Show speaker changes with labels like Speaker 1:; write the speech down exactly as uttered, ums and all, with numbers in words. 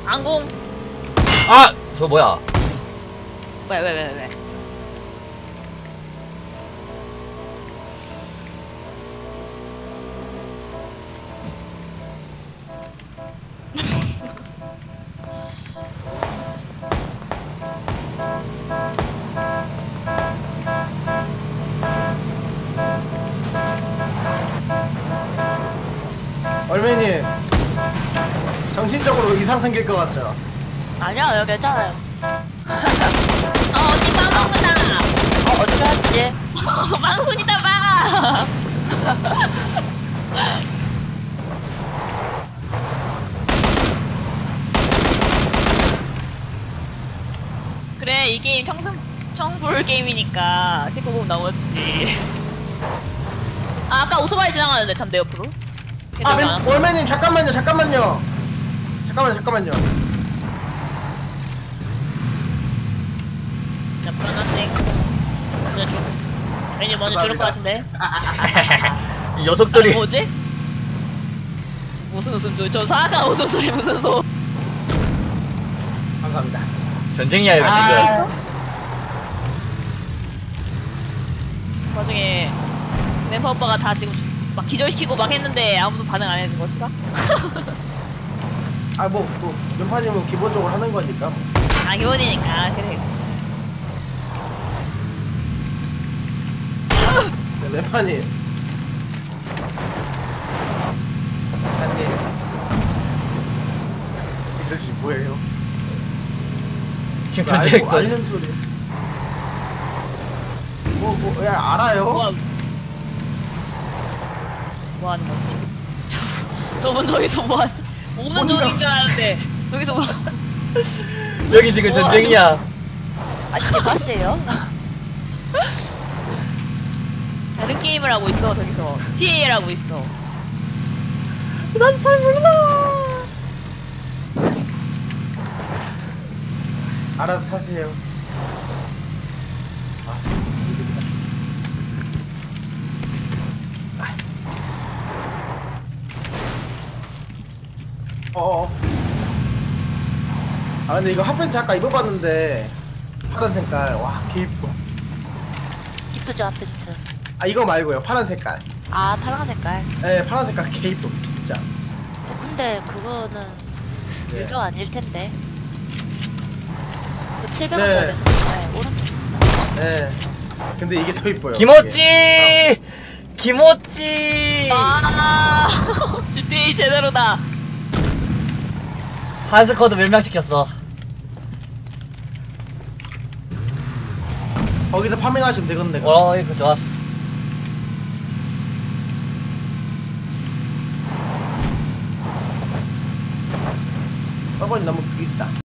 Speaker 1: 항공.
Speaker 2: 아! 저 뭐야?
Speaker 1: 왜 왜 왜 왜, 왜?
Speaker 3: 얼매님 정신적으로 이상 생길 것 같죠?
Speaker 4: 아니야, 여기 괜찮아요.
Speaker 1: 어 언니 빵빵구나.
Speaker 4: 어, 어떻게 하지?
Speaker 1: 빵순이다 빵. 그래 이 게임 청순 청불 게임이니까 십구 금 넘었지. 아 아까 오토바이 지나가는데 참 내 옆으로.
Speaker 3: 아, 맨, 얼매님 잠깐만요, 잠깐만요. 잠깐만요, 잠깐만요.
Speaker 1: 자 불안한데. 먼저 줘. 왠지 먼저 줄을 것 같은데.
Speaker 2: 이 녀석들이.
Speaker 1: 아니, 뭐지? 무슨 웃음소리? 저 사악한 웃음소리 무슨 소?
Speaker 3: 감사합니다.
Speaker 2: 전쟁이야 이거
Speaker 3: 아,
Speaker 2: 지금.
Speaker 1: 나중에 멤버 오빠가 다 지금 막 기절시키고 막 했는데 아무도 반응 안 해준 것이가?
Speaker 3: 아, 뭐, 뭐, 연파님은 기본적으로 하는 거니까. 뭐.
Speaker 1: 아 기본이니까 그래.
Speaker 3: 네, 램파님. 램파님. 이것이 뭐예요?
Speaker 2: 지금
Speaker 3: 알고,
Speaker 2: 전쟁 전.
Speaker 3: 알는 소리. 뭐, 뭐, 야, 알아요?
Speaker 1: 뭐, 뭐 하는 거지? 저, 저분 저기서 뭐 하지? 오는
Speaker 3: 뭔가-
Speaker 1: 중인 줄 알았는데 저기서 뭐
Speaker 2: 여기 지금
Speaker 1: 우와,
Speaker 2: 전쟁이야.
Speaker 4: 아니, 대박이에요?
Speaker 1: 다른 게임을 하고 있어 저기서 티에이엘 하고 있어.
Speaker 4: 난 잘 몰라.
Speaker 3: 알아서 사세요. 아, 이득이다. 어어. 아, 근데 이거 핫팬츠 아까 입어봤는데 파란 색깔. 와, 개 이뻐.
Speaker 4: 이쁘죠, 핫팬츠.
Speaker 3: 아, 이거 말고요. 파란 색깔.
Speaker 4: 아, 파란 색깔.
Speaker 3: 네, 파란 색깔 개 이뻐. 진짜.
Speaker 4: 어, 근데 그거는
Speaker 3: 네.
Speaker 4: 유료 아닐 텐데. 그 칠백
Speaker 3: 네.
Speaker 4: 원짜리. 네, 오른쪽.
Speaker 3: 네. 근데 이게 더 이뻐요.
Speaker 2: 김오찌. 김오찌.
Speaker 1: 아 지티에이 제대로다.
Speaker 2: 한스쿼드 멸망시켰어.
Speaker 3: 거기서 파밍하시면 되겠네.
Speaker 2: 어 이거 좋았어.
Speaker 3: 서버니 너무 그기지다.